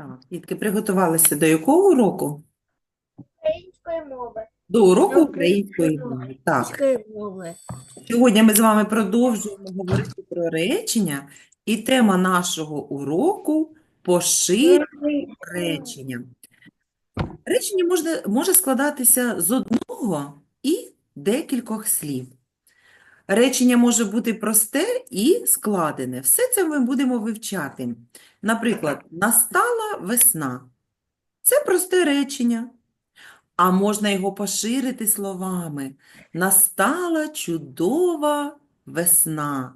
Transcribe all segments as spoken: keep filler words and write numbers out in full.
Так, дітки, приготувалися до якого уроку? Української мови. До уроку Української української мови. мови. Так, Української мови. сьогодні ми з вами продовжуємо говорити про речення, і тема нашого уроку – поширювання речення. Речення можна, може складатися з одного і декількох слів. Речення може бути просте і складене. Все це ми будемо вивчати. Наприклад, настала весна. Це просте речення. А можна його поширити словами. Настала чудова весна.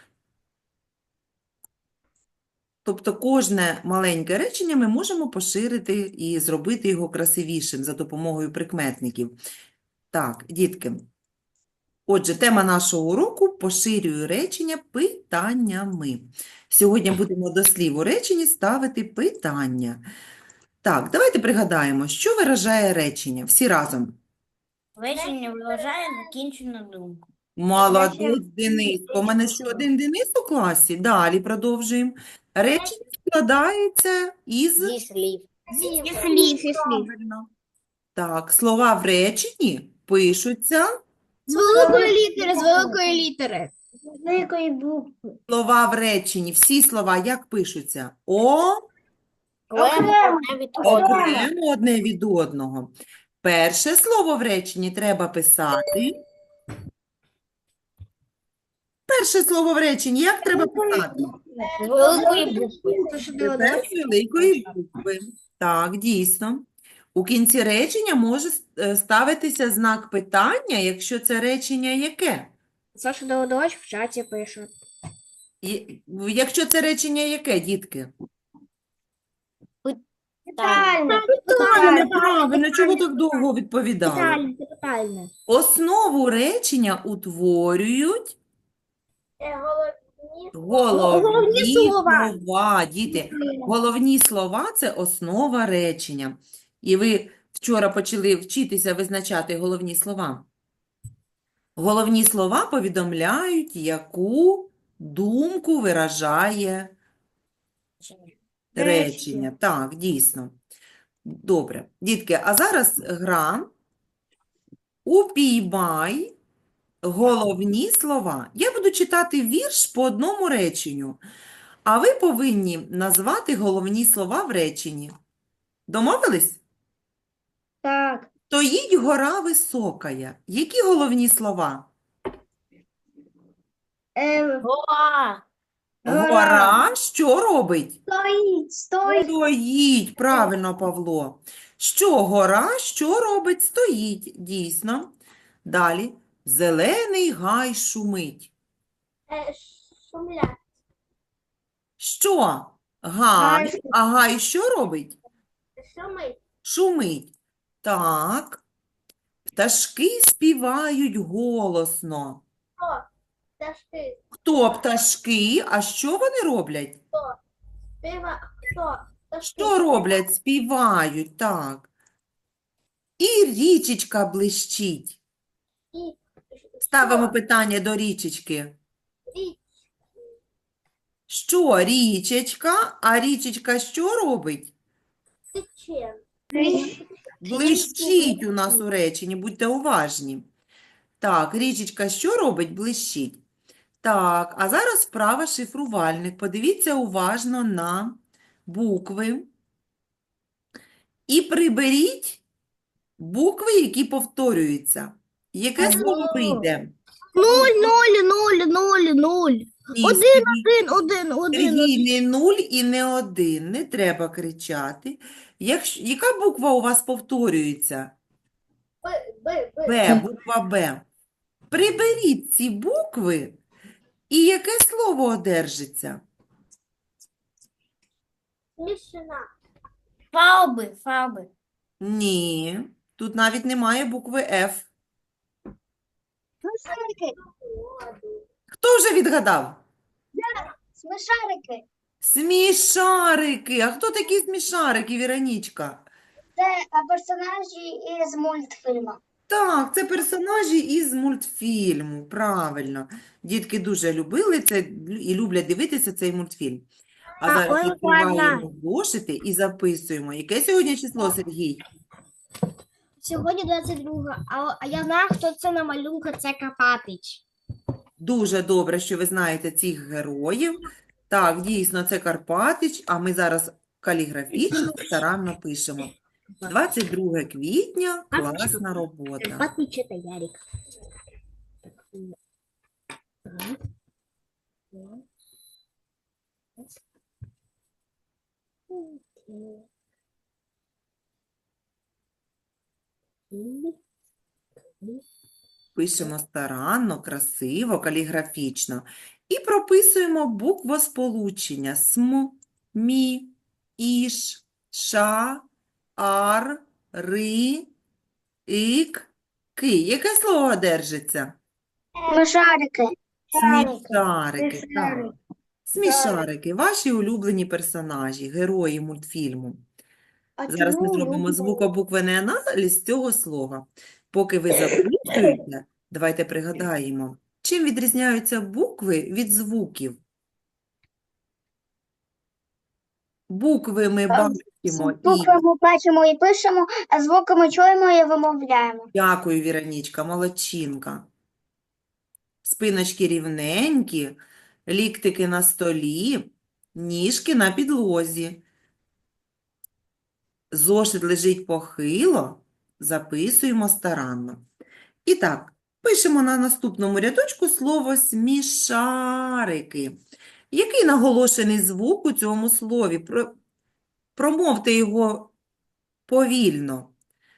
Тобто кожне маленьке речення ми можемо поширити і зробити його красивішим за допомогою прикметників. Так, дітки. Отже, тема нашого уроку – поширюю речення питаннями. Сьогодні будемо до слів у реченні ставити питання. Так, давайте пригадаємо, що виражає речення. Всі разом. Речення виражає закінчену думку. Молодець, Дениско. У мене ще один Денис у класі. Далі продовжуємо. Речення складається із... Зі слів. Зі Зі слів, слів, зі слів. правильно. Так, слова в реченні пишуться, З великої літери, з великої літери. З великої букви. слова в реченні, всі слова як пишуться? О, Окремо. окремо одне від одного. Перше слово в реченні треба писати. Перше слово в реченні як треба писати? З великої букви. Тепер з великої букви. Так, дійсно. У кінці речення може е, ставитися знак питання, якщо це речення яке? Саша Давидович в чаті пише. І- Якщо це речення яке, дітки? Питальне. Правильно, правильно. Чого так довго відповідали? Питальне. Питальне. Основу речення утворюють головні Головні слова. слова. Діти, головні слова – це основа речення. І ви вчора почали вчитися визначати головні слова. Головні слова повідомляють, яку думку виражає речення. Так, дійсно. Добре. Дітки, а зараз гра «Упіймай головні слова». Я буду читати вірш по одному реченню, а ви повинні назвати головні слова в реченні. Домовились? Так. Стоїть гора високая. Які головні слова? Гора. Гора що робить? Стоїть. Стоїть. Стоїть, правильно, Павло. Що гора, що робить? Стоїть, дійсно. Далі. Зелений гай шумить. Шумлять. Що? Гай. Гай. А гай що робить? Шумить. Шумить. Так. Пташки співають голосно. Хто? Пташки. Хто пташки? А що вони роблять? Співа. Хто? Пташки. Що роблять? Співають, так. І річечка блищить. І Ставимо питання до річечки. річ. Що річечка? А річечка що робить? Тече. Блищить у нас у реченні, будьте уважні. Так, річечка що робить? Блищить. Так, а зараз вправа шифрувальник. Подивіться уважно на букви. І приберіть букви, які повторюються. Яке слово вийде? Нуль, нуль, нуль, нуль, нуль. Ні, Один, Сергій. один, один, один. Сергій, не нуль і не один. Не треба кричати. Якщо, яка буква у вас повторюється? Б, Б, Б. Б, буква Б. Приберіть ці букви, і яке слово одержиться? Смішина. Фауби, фауби. Ні, тут навіть немає букви Ф. Смішарики. Хто вже відгадав? Смішарики. Смішарики. А хто такі смішарики, Віронічка? Це персонажі із мультфільму. Так, це персонажі із мультфільму, правильно. Дітки дуже любили це і люблять дивитися цей мультфільм. А зараз ой, відкриваємо зошити і записуємо. Яке сьогодні число, Сергій? Сьогодні двадцять друге, а, а я знаю, хто це на малюнку, це Карпатич. Дуже добре, що ви знаєте цих героїв. Так, дійсно, це Карпатич, а ми зараз каліграфічно старанно пишемо. двадцять друге квітня, класна робота. Карпатич це Ярик. Пишемо старанно, красиво, каліграфічно. І прописуємо буквосполучення см, мі, іш, ша, ар, ри, ік, ки. Яке слово держиться? Смішарики. Смішарики, так. Смішарики, ваші улюблені персонажі, герої мультфільму. Зараз ми зробимо звукобуквений аналіз цього слова. Поки ви записуєте, давайте пригадаємо, чим відрізняються букви від звуків. Букви ми бачимо і... Букви ми бачимо і пишемо, а звуки ми чуємо і вимовляємо. Дякую, Віронічка, молодчинка. Спиночки рівненькі, ліктики на столі, ніжки на підлозі. Зошит лежить похило, записуємо старанно. І так, пишемо на наступному рядочку слово смішарики. Який наголошений звук у цьому слові? Про- Промовте його повільно.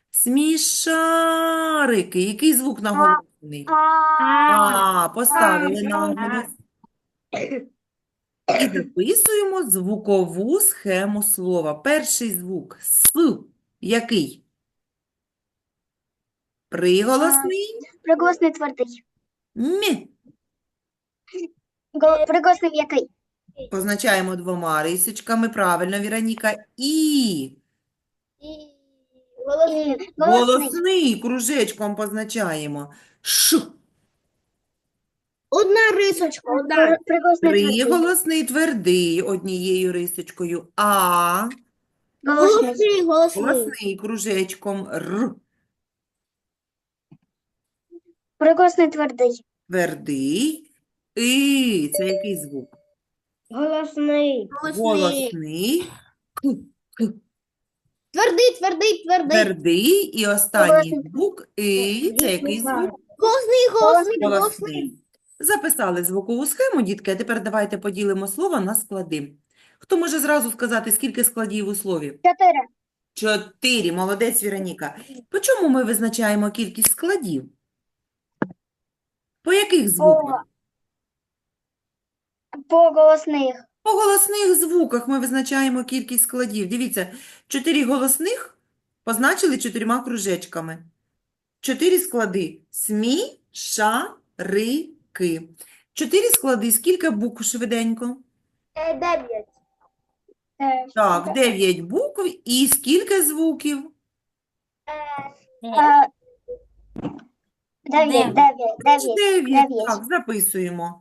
Смішарики. Який звук наголошений? А, поставили наголос. І записуємо звукову схему слова. Перший звук С. Який? Приголосний. Приголосний твердий. М. Гол- Приголосний м'який. Позначаємо двома рисочками. Правильно, Віроніка. І. Голосний. Голосний кружечком позначаємо. Ш. Одна рисочка. Одна. Приголосний твердий. Приголосний твердий однією рисочкою. А. Голосний. Голосний кружечком. Р. Приголосний твердий. Твердий. І. Це який звук? Голосний. Голосний. К. К. Твердий, твердий, твердий. Твердий. І останній звук І. Це який звук? Голосний, голосний, голосний. Голосний. Записали звукову схему, дітки, а тепер давайте поділимо слово на склади. Хто може зразу сказати, скільки складів у слові? Чотири. Чотири. Молодець, Віроніка. По чому ми визначаємо кількість складів? По яких звуках? По голосних. По голосних звуках ми визначаємо кількість складів. Дивіться, чотири голосних позначили чотирма кружечками. Чотири склади. Смі, ша, ри, ки. Чотири склади. Скільки букв швиденько? Дев'ять. Так, дев'ять букв. І скільки звуків? Дев'ять, дев'ять, дев'ять. Дев'ять. дев'ять. Так, записуємо.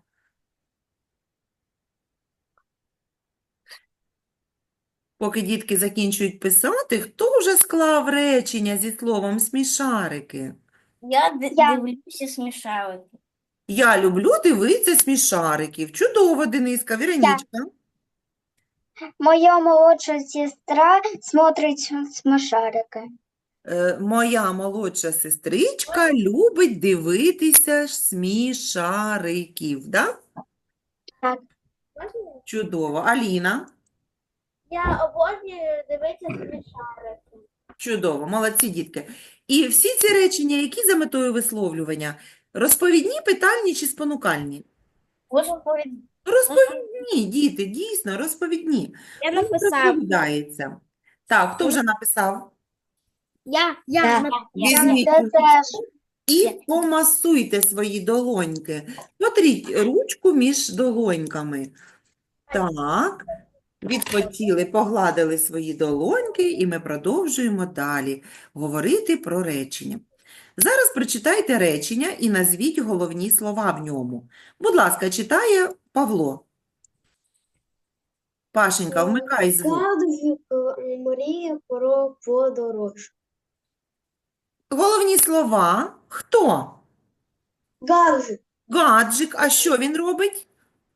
Поки дітки закінчують писати, хто вже склав речення зі словом смішарики? Я д- Я. дивлюся смішарики. Я люблю дивитися смішариків. Чудово, Дениска. Віронічка. Моя молодша сестра смотрить смешарики. Е, Моя молодша сестричка любить дивитися смішариків. Да? Так. Чудово. Аліна? Я обожнюю дивитися смешарики. Чудово. Молодці, дітки. І всі ці речення, які за метою висловлювання? Розповідні, питальні чи спонукальні? Розповідь. Розповідні, діти, дійсно, розповідні. Я Він написав. розповідається. Так, хто вже написав? Я, я, Я. на- Візьміть я теж. і помасуйте свої долоньки. Потріть ручку між долоньками. Так, відпочили, погладили свої долоньки, і ми продовжуємо далі говорити про речення. Зараз прочитайте речення і назвіть головні слова в ньому. Будь ласка, читає Павло. Пашенька, вмикай звук. Гаджик мріє про подорож. Головні слова. Хто? Гаджик, Гаджик. А що він робить?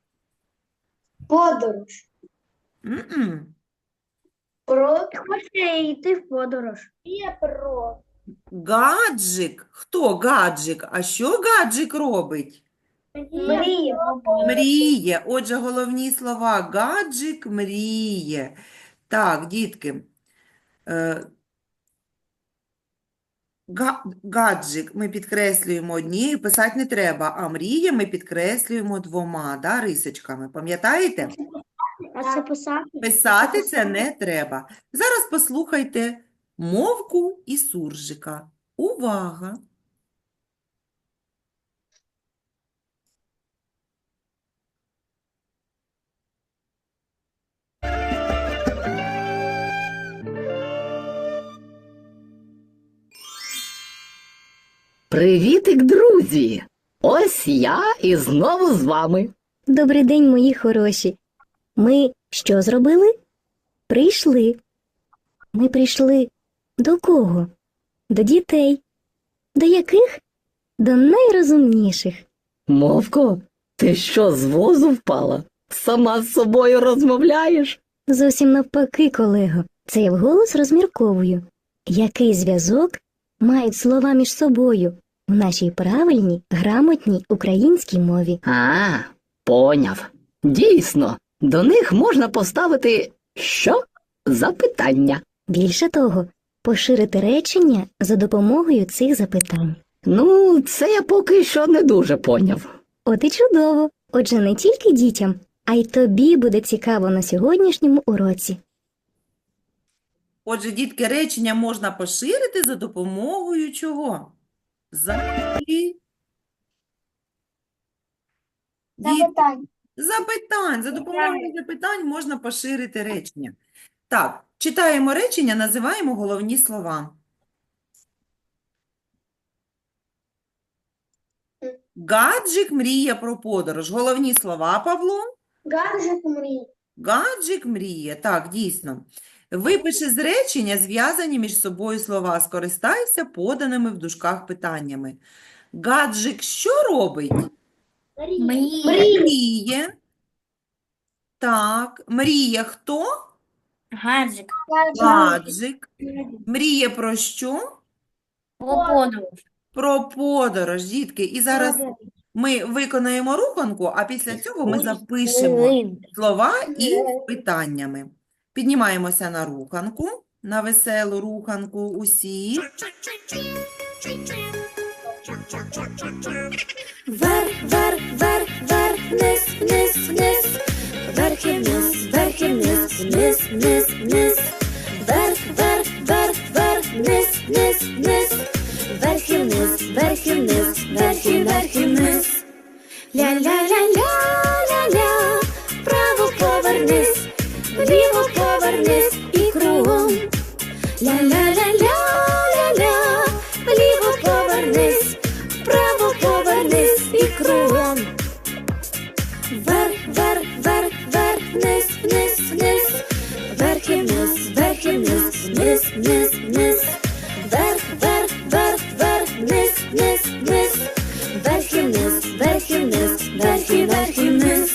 подорож. М-м. Про хоче йти в подорож. Є про. Гаджик. Хто гаджик? А що гаджик робить? Мріє. Мріє. Отже, головні слова. Гаджик мріє. Так, дітки. Е, га- Гаджик ми підкреслюємо однією, писати не треба, а мріє ми підкреслюємо двома, да, рисочками. Пам'ятаєте? А це писати? Писати це не треба. Зараз послухайте мовку і суржика. Увага! Привітик, друзі! Ось я і знову з вами. Добрий день, мої хороші. Ми що зробили? Прийшли. Ми прийшли до кого? До дітей. До яких? До найрозумніших. Мовко, ти що, з возу впала? Сама з собою розмовляєш? Зовсім навпаки, колего. Це я вголос розмірковую. Який зв'язок мають слова між собою у нашій правильній, грамотній українській мові? А, поняв. Дійсно, до них можна поставити що? Запитання. Більше того, поширити речення за допомогою цих запитань. Ну, це я поки що не дуже поняв. От і чудово. Отже, не тільки дітям, а й тобі буде цікаво на сьогоднішньому уроці. Отже, дітки, речення можна поширити за допомогою чого? Запи... Діт- Запитання. Запитань. За допомогою запитань можна поширити речення. Так, читаємо речення, називаємо головні слова. Гаджик мріє про подорож. Головні слова, Павло? Гаджик мріє. Гаджик мріє. Так, дійсно. Випиши з речення зв'язані між собою слова. Скористайся поданими в дужках питаннями. Гаджик що робить? Мріє. Мріє. Так. Мріє хто? Гаджик. Гаджик. Мріє про що? Про подорож. Про подорож, дітки. І зараз ми виконаємо руханку, а після цього ми запишемо слова із питаннями. Піднімаємося на руханку, на веселу руханку усі. Вверх, вверх, вверх, вверх, вниз, вниз, вниз. Вверх і вниз, вверх і вниз, вниз, вниз, вниз. Вверх, вверх, вверх, вверх, вниз, вниз, вниз. Вверх і вниз, вверх і вниз, вверх і вверх і вниз. Ля-ля-ля-ля-ля-ля. Вправо повернись, вліво повернись і кругом. Ля-ля-ля-ля-ля-ля. Вліво повернись, вправо повернись і кругом. Вверх, вверх, вверх, вверх, вниз, вниз, вниз. Вверх і вниз, вверх і вниз, вниз, вниз, вниз. Вверх, вверх, вверх, вверх, вниз, вниз, вниз. Вверх і вниз, вверх і вниз, вверх і вверх і вниз.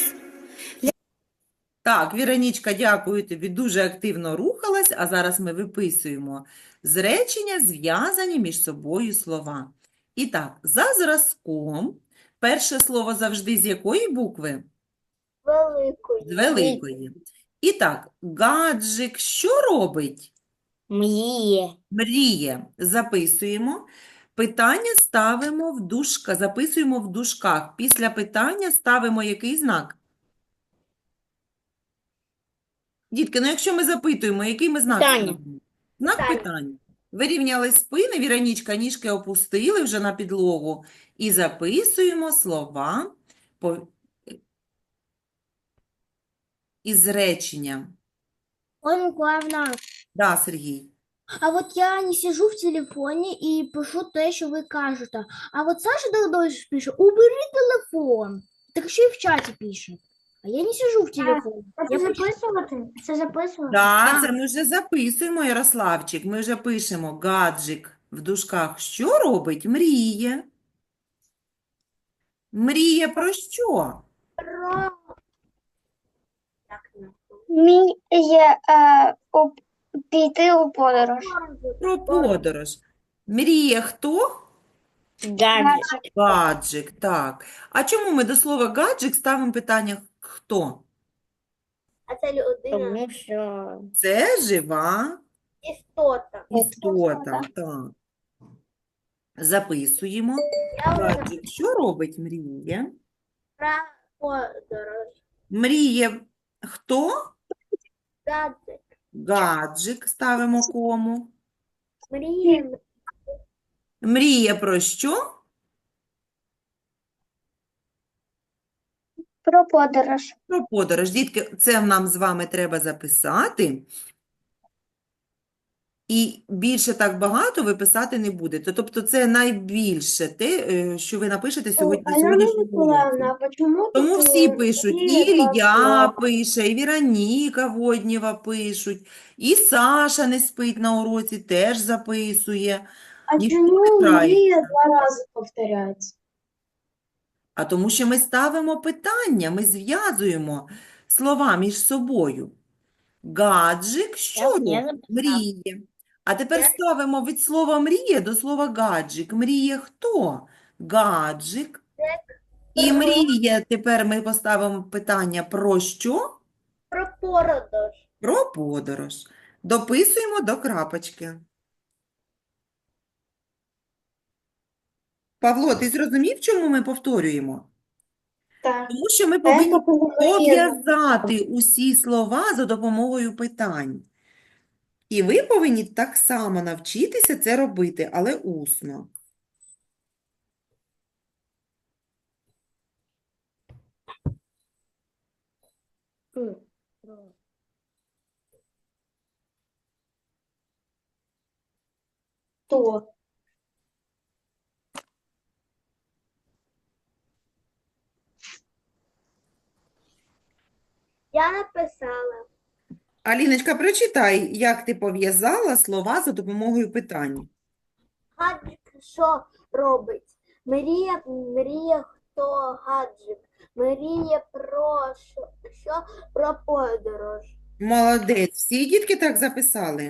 Так, Віронічка, дякую тобі, дуже активно рухалась, а зараз ми виписуємо з речення зв'язані між собою слова. І так, за зразком, перше слово завжди з якої букви? Великої. З великої. І так, гаджик що робить? Мріє. Мріє. Записуємо. Питання ставимо в дужка, записуємо в дужках. Після питання ставимо який знак? Дітки, ну якщо ми запитуємо, який ми знак Питання. ставимо? Знак питання. Вирівняли спини, Віронічка, ніжки опустили вже на підлогу і записуємо слова по... із речення. Ольга Миколаївна, Да, Сергій. а от я не сижу в телефоні і пишу те, що ви кажете. А от Саша Догдович пише, убери телефон. Так ще й в чаті пише. А я не сижу в телефоне. Це записувати? Це записувати? Так, це ми вже записуємо, Ярославчик. Ми вже пишемо гаджик в дужках. Що робить? Мріє. Мріє про що? Мріє піти у подорож. Про подорож. Мріє хто? Гаджик. Гаджик, так. А чому ми до слова гаджик ставимо питання хто? А це людина. Тому що Це жива Істота. істота. Так. Записуємо. Гаджик, що робить мріє? Про подорож. Мріє хто? Гаджик. Гаджик ставимо кому. Мріє. Мріє про що? Про подорож. Про подорож. Дітки, це нам з вами треба записати. І більше так багато ви писати не будете. Тобто це найбільше те, е, що ви напишете сьогодні на сьогоднішньому уроці. почему Тому всі пишуть, і Ілля пише, і Віроніка Воднєва пишуть, і Саша не спить на уроці, теж записує. А Ніхто чому не грається. мрія два рази повторяється? А тому що ми ставимо питання, ми зв'язуємо слова між собою. Гаджик що Я- я робить? записала. Мріє. А тепер ставимо від слова мріє до слова гаджик. Мріє хто? Гаджик. І мріє, тепер ми поставимо питання про що? Про подорож. Про подорож. Дописуємо до крапочки. Павло, ти зрозумів, чому ми повторюємо? Так. Тому що ми повинні пов'язати усі слова за допомогою питань. І ви повинні так само навчитися це робити, але усно. Хто? Я написала. Аліночка, прочитай, як ти пов'язала слова за допомогою питань. Гаджик що робить? Мріє, мріє хто гаджик? Мріє про що? Що про подорож? Молодець. Всі дітки так записали?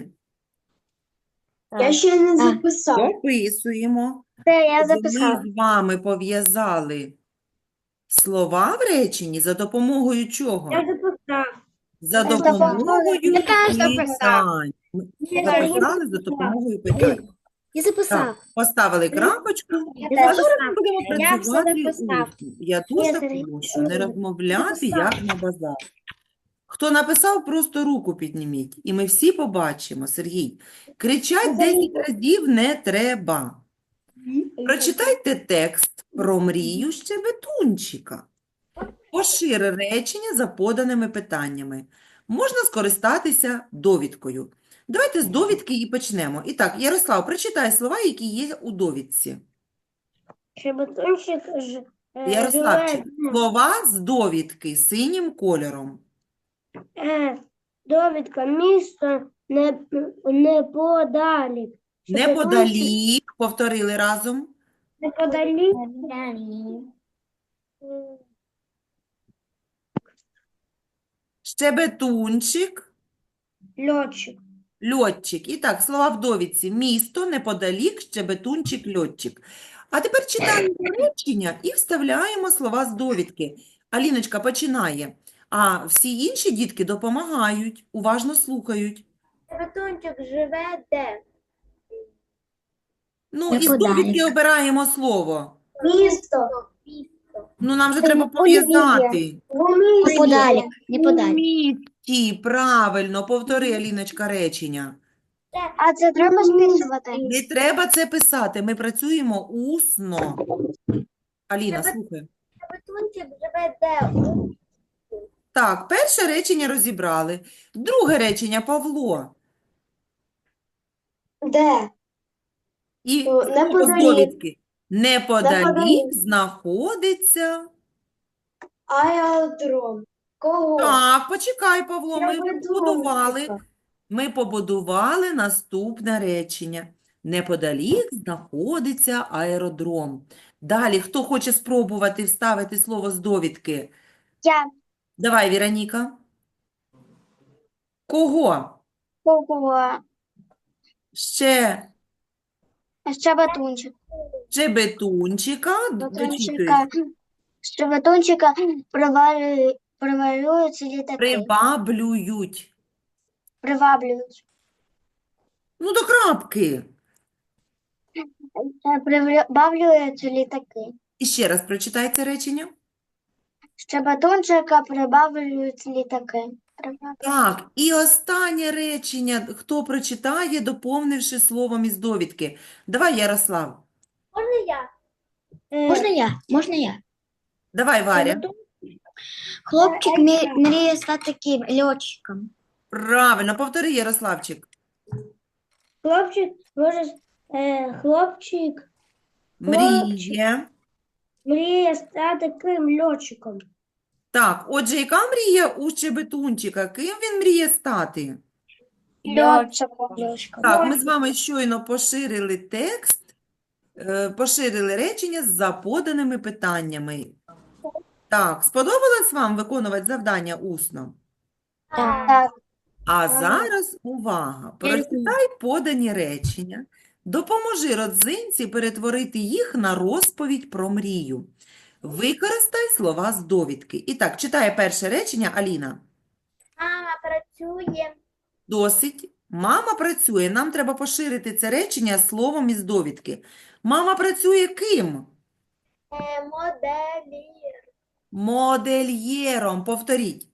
Я ще не А. записав. Дописуємо. Це я Отже, Ми з вами пов'язали слова в реченні за допомогою чого? записав. За Я допомогою Я теж записав. питань. Ми записали за допомогою питань. Я записав. Так, поставили крапочку. Я А теж зараз ми будемо Я все працювати записав. усно. Я дуже Я прошу не розмовляти, записав. як на базар. Хто написав, просто руку підніміть. І ми всі побачимо, Сергій. Кричать десять разів не треба. Прочитайте текст про мрію щебетунчика. Пошир речення за поданими питаннями. Можна скористатися довідкою. Давайте з довідки і почнемо. І так, Ярослав, прочитай слова, які є у довідці. Щебетунчик ж е, Ярославчик, живе, слова з довідки синім кольором. е, довідка, місто не, неподалік. Щебетунчик Неподалік, повторили разом. неподалік. е, Щебетунчик, Льотчик. льотчик. І так, слова в довідці. Місто, неподалік, щебетунчик, льотчик. А тепер читаємо речення і вставляємо слова з довідки. Аліночка починає, а всі інші дітки допомагають, уважно слухають. Щебетунчик живе де? Ну, із Неподалік. довідки обираємо слово. Місто. Ну, нам же треба Ой, пов'язати. Неподалік. У Неподалік. місті, правильно, повтори, Аліночка, речення. А це треба списувати? Не треба це писати, ми працюємо усно. Аліна, слухай. Щебетунчик живе де? Так, перше речення розібрали. Друге речення, Павло. Де? І О, слово з неподалік. довідки. Неподалік Неподалік. знаходиться Аеродром. Кого? Так, почекай, Павло, Я ми веду, побудували, типа. ми побудували наступне речення. Неподалік знаходиться аеродром. Далі, хто хоче спробувати вставити слово з довідки? Я. Давай, Віроніка. Кого? Кого? Ще Щебетунчик. Щебетунчика. Дочитуй. Щебетунчика. Щебетунчика привалюють, привалюються літаки. Приваблюють. Приваблюють. Ну, до крапки. Е, Прибавлюються літаки. І ще раз прочитай це речення. Щебетунчика прибавлюють літаки. Прибавлюють. Так, і останнє речення, хто прочитає, доповнивши словом із довідки. Давай, Ярослав. Е, Можна я? Можна я? Давай, Варя. Хлопчик мі- мріє стати ким? Льотчиком. Правильно, повтори, Ярославчик. Хлопчик може, е, хлопчик Мріє. мріє стати ким льотчиком. Так, отже, яка мрія у Щебетунчика? Ким він мріє стати? Льотчиком. Так, ми з вами щойно поширили текст, е, поширили речення за поданими питаннями. Так, сподобалось вам виконувати завдання усно? Так. А зараз увага! Прочитай подані речення, допоможи родзинці перетворити їх на розповідь про мрію. Використай слова з довідки. І так, читає перше речення Аліна. Мама працює. Досить. Мама працює. Нам треба поширити це речення словом із довідки. Мама працює ким? Моделі. Модельєром. Повторіть.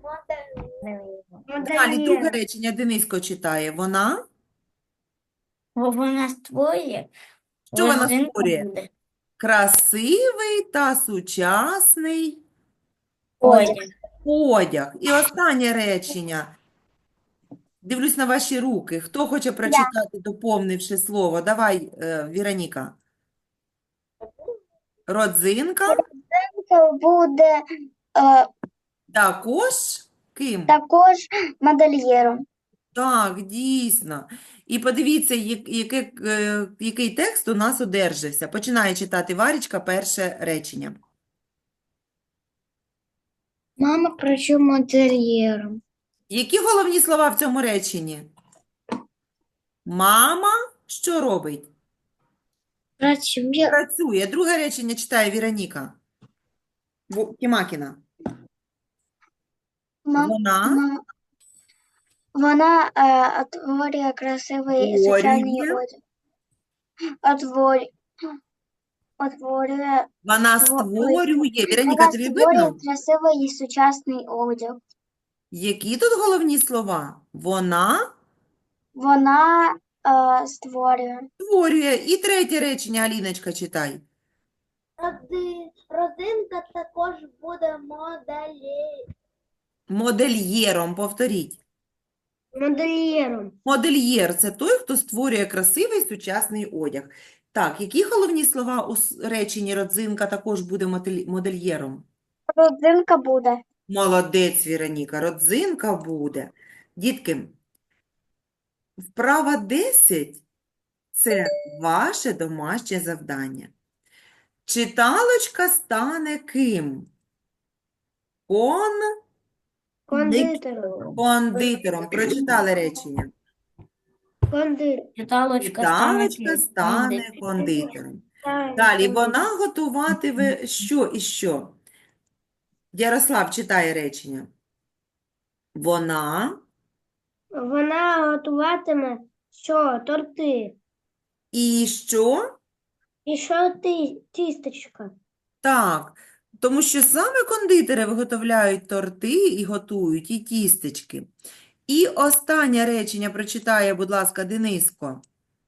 Далі друге речення Дениско читає. Вона? Бо вона створює. Що вона родинку створює? буде. Красивий та сучасний Одяг. одяг. І останнє речення. Дивлюсь на ваші руки. Хто хоче прочитати, доповнивши слово? Давай, е, Віроніка. Родзинка Буде е, також ким? також модельєром. Так, дійсно. І подивіться, як- яке, е, який текст у нас одержався. Починає читати Варічка перше речення. Мама працює модельєром. Які головні слова в цьому реченні? Мама що робить? Працює. Працює. Друге речення читає Віроніка. Бу- Тімакіна. Ма- Вона ма- Вона е, створює красивий сучасний Створює. одяг. Отворює. Отворює. Вона Ой, створює. Віроніка, Вона тобі створює видно? красивий сучасний одяг. Які тут головні слова? Вона Вона е, створює. створює. І третє речення, Аліночка, читай. Родинка також буде моделі. Модельєром, повторіть. Модельєром. Модельєр – це той, хто створює красивий сучасний одяг. Так, які головні слова у с- реченні родзинка також буде модель- модельєром? Родинка буде. Молодець, Віроніка, родзинка буде. Дітки, вправа десять – це ваше домашнє завдання. Читалочка стане ким? Кон... Кондитером. Кондитером. Прочитали речення. Кондитер. Читалочка стане кондитером. Далі, вона готуватиме що і що? Ярослав читає речення. Вона Вона готуватиме що? Торти. і що? І що ти, тістечка? Так, тому що саме кондитери виготовляють торти і готують, і тістечки. І останнє речення прочитає, будь ласка, Дениско.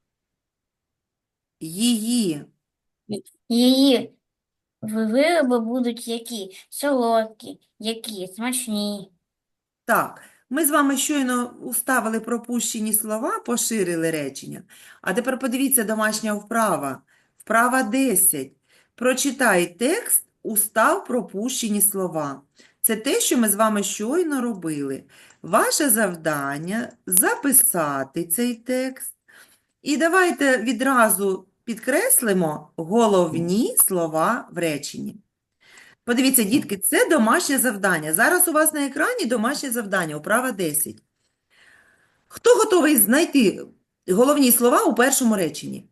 Її. Її вироби будуть які? Солодкі, які смачні. Так, ми з вами щойно уставили пропущені слова, поширили речення. А тепер подивіться домашня вправа. Вправа десять. Прочитай текст, устав пропущені слова. Це те, що ми з вами щойно робили. Ваше завдання – записати цей текст. І давайте відразу підкреслимо головні слова в реченні. Подивіться, дітки, це домашнє завдання. Зараз у вас на екрані домашнє завдання, вправа десять. Хто готовий знайти головні слова у першому реченні?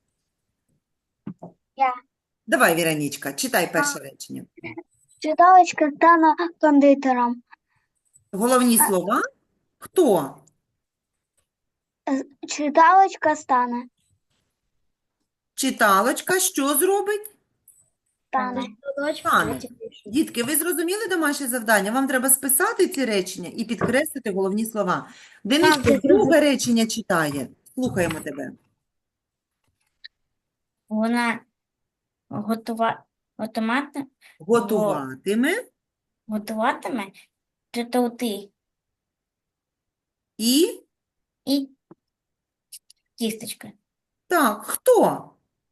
Я. Давай, Віронічка, читай перше речення. Читалочка стане кондитером. Головні слова – хто? Читалочка стане. Читалочка що зробить? Стане. Стане. Дітки, ви зрозуміли домашнє завдання? Вам треба списати ці речення і підкреслити головні слова. Дениско, друге речення читає. Слухаємо тебе. Вона готува... готуватиме, Готуватиме готуватиме торти і… і тістечка. Так, хто?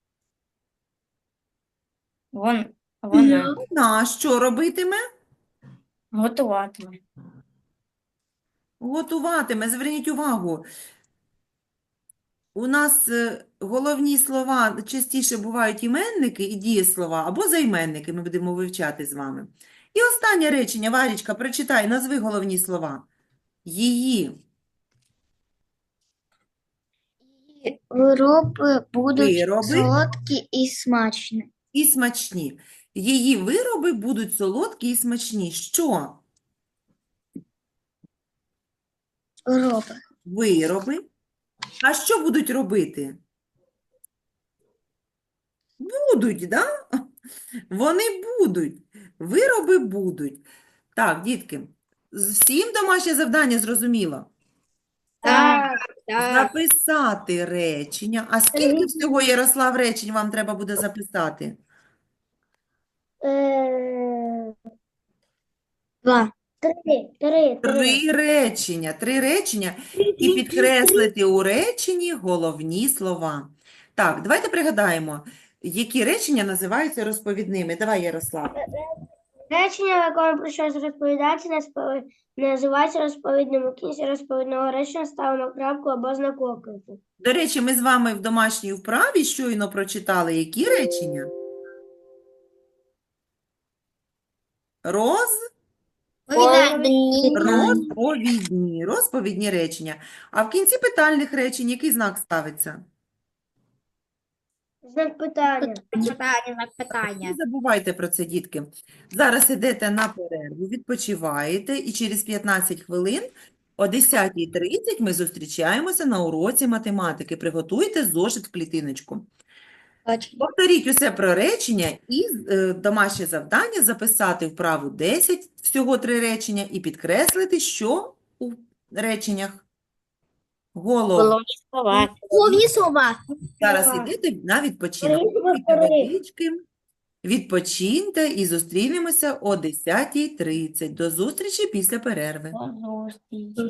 Вон, вона Вона що робитиме? готуватиме. Готуватиме. Зверніть увагу. У нас е, головні слова частіше бувають іменники і дієслова, або займенники ми будемо вивчати з вами. І останнє речення, Варічка, прочитай, назви головні слова. Її Вироби будуть Вироби. солодкі і смачні. і смачні. Її вироби будуть солодкі і смачні. Що? Вироби. Вироби. А що будуть робити? Будуть, да? Вони будуть. Вироби будуть. Так, дітки, з- всім домашнє завдання зрозуміло? Так. Записати речення. А скільки всього, Ярослав, речень вам треба буде записати? Е, Два. Три, три, три. Три речення. Три речення. І підкреслити у реченні головні слова. Так, давайте пригадаємо, які речення називаються розповідними. Давай, Ярослав. Речення, в якому про щось розповідається, наспові- називається розповідним. У кінці розповідного речення ставимо крапку або знак оклику. До речі, ми з вами в домашній вправі щойно прочитали які речення? Роз... Розповідні. Розповідні речення. А в кінці питальних речень який знак ставиться? Знак питання. Не забувайте про це, дітки. Зараз ідете на перерву, відпочиваєте, і через п'ятнадцять хвилин о десятій тридцять ми зустрічаємося на уроці математики. Приготуйте зошит в клітиночку. Повторіть усе про речення і е, домашнє завдання записати вправу десять, всього три речення, і підкреслити, що у реченнях голов. Головні слова. Головні слова. Зараз йдете на відпочинок. Три, Попийте три. водички, відпочиньте і зустрінемося о десятій тридцять. До зустрічі після перерви. До зустрічі.